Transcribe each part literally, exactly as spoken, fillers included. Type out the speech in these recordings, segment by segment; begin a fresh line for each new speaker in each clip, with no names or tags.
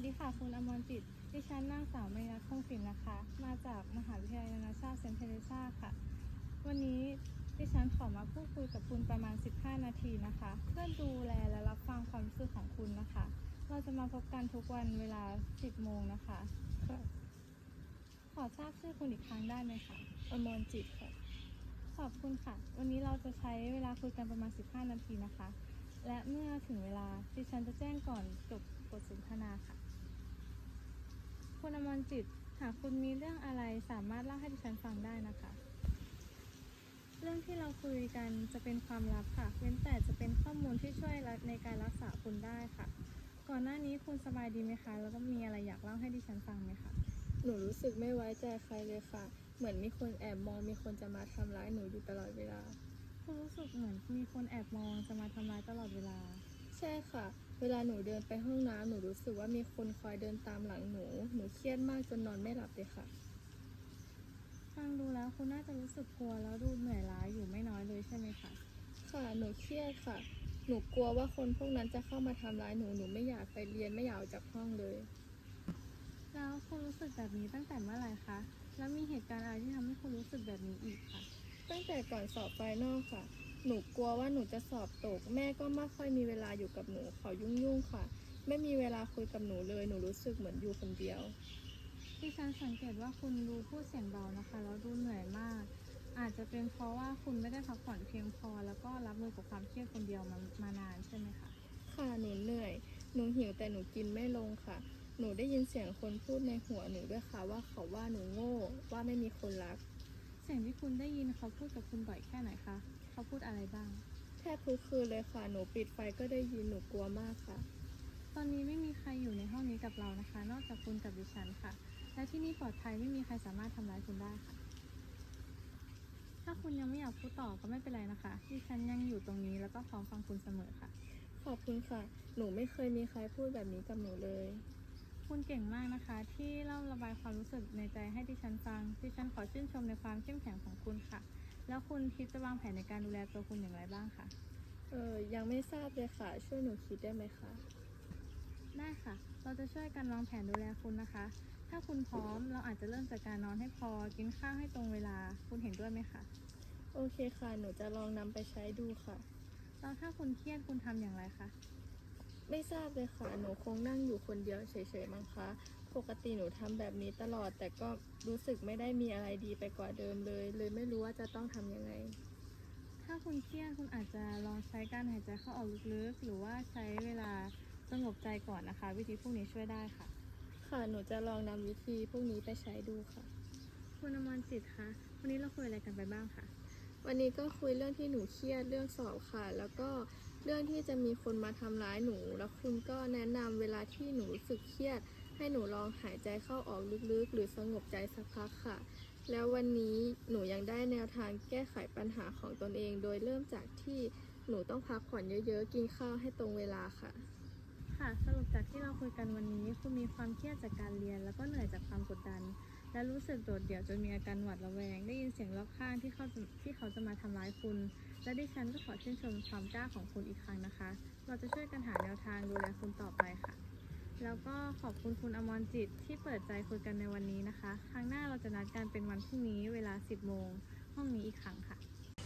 ดีค่ะคุณอมรจิตดิฉันนางสาวมยัคคงศิลป์นะคะมาจากมหาวิทยาลัยนานาชาติเซนต์เทเรซาค่ะวันนี้ดิฉันขอมาพูดคุยกับคุณประมาณสิบห้านาทีนะคะเพื่อดูแลและรับฟังความรู้สึกของคุณนะคะเราจะมาพบกันทุกวันเวลาสิบโมงนะคะ
ค่ะ
ขอทราบชื่อคุณอีกครั้งได้ไหมคะ
อมรจิตค่ะ
ขอบคุณค่ะวันนี้เราจะใช้เวลาคุยกันประมาณสิบห้านาทีนะคะและเมื่อถึงเวลาดิฉันจะแจ้งก่อนจบบทสนทนาค่ะคุณอมรจิตหากคุณมีเรื่องอะไรสามารถเล่าให้ดิฉันฟังได้นะคะเรื่องที่เราคุยกันจะเป็นความลับค่ะเว้นแต่จะเป็นข้อมูลที่ช่วยในการรักษาคุณได้ค่ะก่อนหน้านี้คุณสบายดีไหมคะแล้วก็มีอะไรอยากเล่าให้ดิฉันฟังไหมคะ
หนูรู้สึกไม่ไว้ใจใครเลยค่ะเหมือนมีคนแอบมองมีคนจะมาทำร้ายหนูอยู่ตลอดเวลา
คุณรู้สึกเหมือนมีคนแอบมองจะมาทำร้ายตลอดเวลา
ใช่ค่ะเวลาหนูเดินไปห้องน้ำหนูรู้สึกว่ามีคนคอยเดินตามหลังหนูหนูเครียดมากจนนอนไม่หลับเลยค่ะ
ฟังดูแล้วคุณน่าจะรู้สึกกลัวแล้วดูเหนื่อยล้าอยู่ไม่น้อยเลยใช่ไหมคะ
ค่ะหนูเครียดค่ะหนูกลัวว่าคนพวกนั้นจะเข้ามาทำร้ายหนูหนูไม่อยากไปเรียนไม่อยากออกจากห้องเลย
แล้วคุณรู้สึกแบบนี้ตั้งแต่เมื่อไหร่คะแล้วมีเหตุการณ์อะไรที่ทำให้คุณรู้สึกแบบนี้อีกคะ
ตั้งแต่ก่อนสอบไฟนอลค่ะหนูกลัวว่าหนูจะสอบตกแม่ก็ไม่ค่อยมีเวลาอยู่กับหนูเขายุ่งๆค่ะไม่มีเวลาคุยกับหนูเลยหนูรู้สึกเหมือนอยู่คนเดียว
ดิฉันสังเกตว่าคุณดูพูดเสียงเบานะคะแล้วดูเหนื่อยมากอาจจะเป็นเพราะว่าคุณไม่ได้พักผ่อนเพียงพอแล้วก็รับมือกับความเครียดคนเดียวมามานานใช่ไหมคะ
ค่ะหนูเหนื่อยหนูหิวแต่หนูกินไม่ลงค่ะหนูได้ยินเสียงคนพูดในหัวหนูด้วยค่ะว่าเขาว่าหนูโง่ว่าไม่มีคนรัก
เสียงที่คุณได้ยินเขาพูดกับคุณบ่อยแค่ไหนคะเขาพูดอะไรบ้าง
แทบทุกคืนเลยค่ะหนูปิดไฟก็ได้ยินหนูกลัวมากค่ะ
ตอนนี้ไม่มีใครอยู่ในห้องนี้กับเรานะคะนอกจากคุณกับดิฉันค่ะและที่นี่ปลอดภัยไม่มีใครสามารถทำร้ายคุณได้ค่ะถ้าคุณยังไม่อยากพูดต่อก็ไม่เป็นไรนะคะดิฉันยังอยู่ตรงนี้แล้วก็พร้อมฟังคุณเสมอค่ะ
ขอบคุณค่ะหนูไม่เคยมีใครพูดแบบนี้กับหนูเลย
คุณเก่งมากนะคะที่เล่าระบายความรู้สึกในใจให้ดิฉันฟังดิฉันขอชื่นชมในความเข้มแข็งของคุณค่ะแล้วคุณคิดจะวางแผนในการดูแลตัวคุณอย่างไรบ้างคะ
เออยังไม่ทราบเลยค่ะช่วยหนูคิดได้ไหมคะ
ได้ค่ะเราจะช่วยกันวางแผนดูแลคุณนะคะถ้าคุณพร้อมเราอาจจะเริ่มจากการนอนให้พอกินข้าวให้ตรงเวลาคุณเห็นด้วยไหมคะ
โอเคค่ะหนูจะลองนำไปใช้ดูค่ะ
แล้วถ้าคุณเครียดคุณทำอย่างไรคะ
ไม่ทราบเลยค่ะหนูคงนั่งอยู่คนเดียวเฉยๆมั้งคะปกติหนูทำแบบนี้ตลอดแต่ก็รู้สึกไม่ได้มีอะไรดีไปกว่าเดิมเลยเลยไม่รู้ว่าจะต้องทำยังไง
ถ้าคุณเครียดคุณอาจจะลองใช้การหายใจเข้าออกลึกๆหรือว่าใช้เวลาสงบใจก่อนนะคะวิธีพวกนี้ช่วยได้ค่ะ
ค่ะหนูจะลองนำวิธีพวกนี้ไปใช้ดูค่ะ
คุณอมรจิตคะวันนี้เราคุยอะไรกันไปบ้างคะ
วันนี้ก็คุยเรื่องที่หนูเครียดเรื่องสอบค่ะแล้วก็เรื่องที่จะมีคนมาทำร้ายหนูแล้วคุณก็แนะนำเวลาที่หนูรู้สึกเครียดให้หนูลองหายใจเข้าออกลึกๆหรือสงบใจสักพักค่ะแล้ววันนี้หนูยังได้แนวทางแก้ไขปัญหาของตนเองโดยเริ่มจากที่หนูต้องพักผ่อนเยอะๆกินข้าวให้ตรงเวลาค่ะ
ค่ะสรุปจากที่เราคุยกันวันนี้คุณมีความเครียดจากการเรียนแล้วก็เหนื่อยจากความกดดันและรู้สึกโดดเดี่ยวจนมีอาการหวาดระแวงได้ยินเสียงรอบข้างที่เขาจะที่เขาจะมาทำร้ายคุณและดิฉันก็ขอชื่นชมความกล้าของคุณอีกครั้งนะคะเราจะช่วยกันหาแนวทางดูแลคุณต่อไปค่ะแล้วก็ขอบคุณคุณอมรจิตที่เปิดใจคุยกันในวันนี้นะคะครั้งหน้าเราจะนัดกันเป็นวันพรุ่งนี้เวลาสิบโมงห้องนี้อีกครั้งค่ะ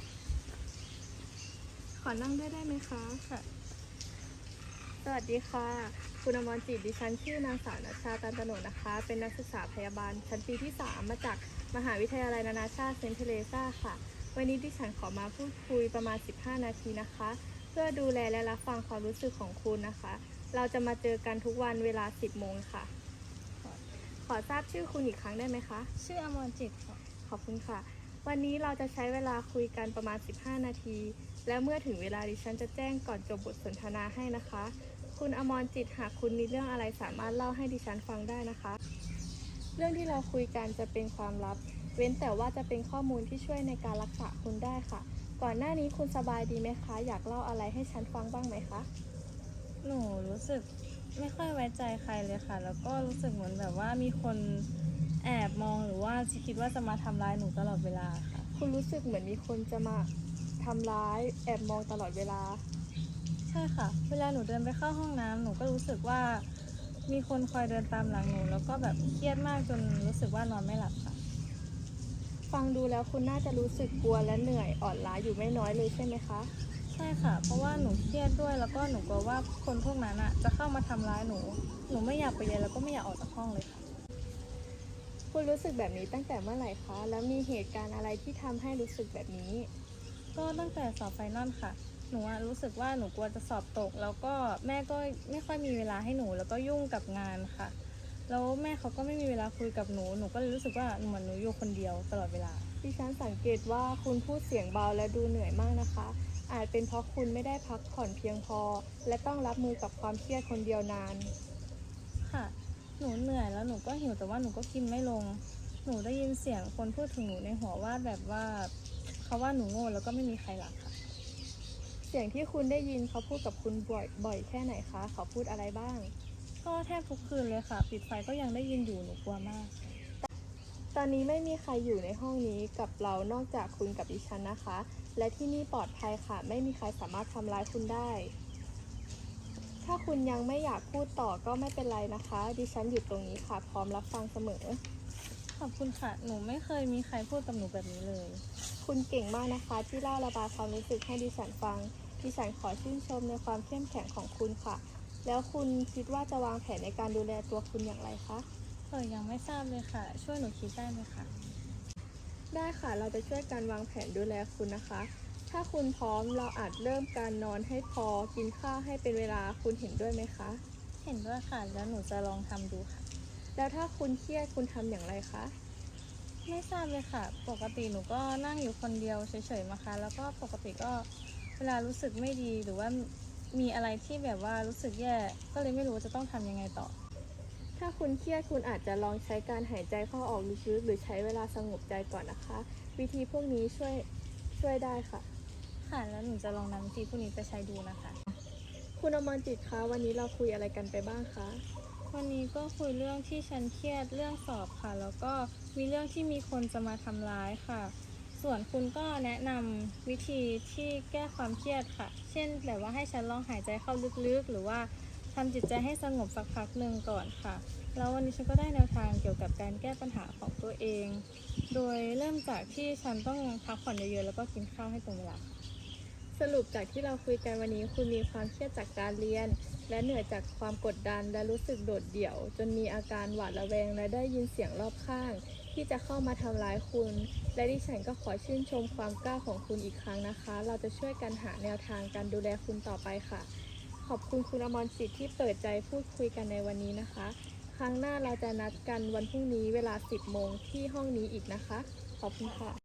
ขอนั่งด้วยได้ไหมคะ
ค่ะ
สวัสดีค่ะคุณอมรจิตดิฉันชื่อนางสาวณชาตันตโนนะคะเป็นนักศึกษาพยาบาลชั้นปีที่สามมาจากมหาวิทยาลัยนานาชาติเซนต์เทเรซาค่ะวันนี้ดิฉันขอมาพูดคุยประมาณสิบห้านาทีนะคะเพื่อดูแลและรับฟังความรู้สึกของคุณนะคะเราจะมาเจอกันทุกวันเวลาสิบโมงค่ะขอทราบชื่อคุณอีกครั้งได้ไหมคะ
ชื่ออมรจิตค่ะ
ขอบคุณค่ะวันนี้เราจะใช้เวลาคุยกันประมาณสิบห้านาทีและเมื่อถึงเวลาดิฉันจะแจ้งก่อนจบบทสนทนาให้นะคะคุณอมรจิตหากคุณมีเรื่องอะไรสามารถเล่าให้ดิฉันฟังได้นะคะเรื่องที่เราคุยกันจะเป็นความลับเว้นแต่ว่าจะเป็นข้อมูลที่ช่วยในการรักษาคุณได้ค่ะก่อนหน้านี้คุณสบายดีไหมคะอยากเล่าอะไรให้ฉันฟังบ้างไหมคะ
หนูรู้สึกไม่ค่อยไว้ใจใครเลยค่ะแล้วก็รู้สึกเหมือนแบบว่ามีคนแอบมองหรือว่าคิดว่าจะมาทำร้ายหนูตลอดเวลาค่ะ
คุณรู้สึกเหมือนมีคนจะมาทำร้ายแอบมองตลอดเวลา
ใช่ค่ะเวลาหนูเดินไปเข้าห้องน้ำหนูก็รู้สึกว่ามีคนคอยเดินตามหลังหนูแล้วก็แบบเครียดมากจนรู้สึกว่านอนไม่หลับค่ะ
ฟังดูแล้วคุณน่าจะรู้สึกกลัวและเหนื่อยอ่อนล้าอยู่ไม่น้อยเลยใช่ไหมคะ
ใช่ค่ะ เพราะว่าหนูเครียดด้วยแล้วก็หนูกลัวว่าคนพวกนั้นอ่ะจะเข้ามาทำร้ายหนู หนูไม่อยากไปเรียนแล้วก็ไม่อยากออกจากห้องเลยค่ะ
คุณรู้สึกแบบนี้ตั้งแต่เมื่อไหร่คะ แล้วมีเหตุการณ์อะไรที่ทำให้รู้สึกแบบนี้
ก็ตั้งแต่สอบไฟนอลค่ะ หนูอะรู้สึกว่าหนูกลัวจะสอบตก แล้วก็แม่ก็ไม่ค่อยมีเวลาให้หนูแล้วก็ยุ่งกับงานค่ะ แล้วแม่เขาก็ไม่มีเวลาคุยกับหนู หนูก็เลยรู้สึกว่าเหมือนหนูอยู่คนเดียวตลอดเวลา
ดิฉันสังเกตว่าคุณพูดเสียงเบาและดูเหนื่อยมากนะคะ อาจเป็นเพราะคุณไม่ได้พักผ่อนเพียงพอ และต้องรับมือกับความเครียดคนเดียวนาน
ค่ะ หนูเหนื่อยแล้วหนูก็หิวแต่ว่าหนูก็กินไม่ลง หนูได้ยินเสียงคนพูดถึงหนูในหัวว่าแบบว่าเขาว่าหนูโง่แล้วก็ไม่มีใครรักค่ะ
เสียงที่คุณได้ยินเขาพูดกับคุณบ่อยบ่อยแค่ไหนคะ เขาพูดอะไรบ้าง
ก็แทบทุกคืนเลยค่ะ ปิดไฟก็ยังได้ยินอยู่ หนูกลัวมาก
ตอนนี้ไม่มีใครอยู่ในห้องนี้กับเรานอกจากคุณกับดิฉันนะคะ และที่นี่ปลอดภัยค่ะ ไม่มีใครสามารถทำร้ายคุณได้ ถ้าคุณยังไม่อยากพูดต่อก็ไม่เป็นไรนะคะ ดิฉันอยู่ตรงนี้ค่ะ พร้อมรับฟังเสมอ
ขอบคุณค่ะ หนูไม่เคยมีใครพูดกับหนูแบบนี้เลย
คุณเก่งมากนะคะ ที่เล่าระบายความรู้สึกให้ดิฉันฟัง ดิฉันขอชื่นชมในความเข้มแข็งของคุณค่ะ แล้วคุณคิดว่าจะวางแผนในการดูแลตัวคุณอย่างไรคะ
เออยังไม่ทราบเลยค่ะ ช่วยหนูคิดได้ไหมคะ
ได้ค่ะ เราจะช่วยกันวางแผนดูแลคุณนะคะ ถ้าคุณพร้อมเราอาจเริ่มการนอนให้พอ กินข้าวให้เป็นเวลา คุณเห็นด้วยไหมคะ
เห็นด้วยค่ะ แล้วหนูจะลองทำดูค่ะ
แล้วถ้าคุณเครียดคุณทำอย่างไรคะ
ไม่ทราบเลยค่ะ ปกติหนูก็นั่งอยู่คนเดียวเฉยๆมาค่ะ แล้วก็ปกติก็เวลารู้สึกไม่ดีหรือว่ามีอะไรที่แบบว่ารู้สึกแย่ ก็เลยไม่รู้ว่าจะต้องทำยังไงต่อ
ถ้าคุณเครียดคุณอาจจะลองใช้การหายใจเข้าออกลึกๆหรือใช้เวลาสงบใจก่อนนะคะ วิธีพวกนี้ช่วยช่วยได้ค่ะ
ค่ะ แล้วหนูจะลองนำวิธีพวกนี้ไปใช้ดูนะคะ
คุณอมรจิตคะวันนี้เราคุยอะไรกันไปบ้างคะ
วันนี้ก็คุยเรื่องที่ฉันเครียดเรื่องสอบค่ะ แล้วก็มีเรื่องที่มีคนจะมาทำร้ายค่ะ ส่วนคุณก็แนะนำวิธีที่แก้ความเครียดค่ะ เช่นแบบว่าให้ฉันลองหายใจเข้าลึกๆ หรือว่าทำจิตใจให้สงบสักพักหนึ่งก่อนค่ะ แล้ววันนี้ฉันก็ได้แนวทางเกี่ยวกับการแก้ปัญหาของตัวเอง โดยเริ่มจากที่ฉันต้องพักผ่อนเยอะๆแล้วก็กินข้าวให้ตรงเวลาค่ะ
สรุปจากที่เราคุยกันวันนี้คุณมีความเครียดจากการเรียน และเหนื่อยจากความกดดันและรู้สึกโดดเดี่ยว จนมีอาการหวาดระแวงและได้ยินเสียงรอบข้าง ที่จะเข้ามาทำร้ายคุณ และดิฉันก็ขอชื่นชมความกล้าของคุณอีกครั้งนะคะ เราจะช่วยกันหาแนวทางการดูแลคุณต่อไปค่ะ ขอบคุณคุณอมรจิตที่เปิดใจพูดคุยกันในวันนี้นะคะ ครั้งหน้าเราจะนัดกันวันพรุ่งนี้เวลา สิบโมงที่ห้องนี้อีกนะคะ ขอบคุณค่ะ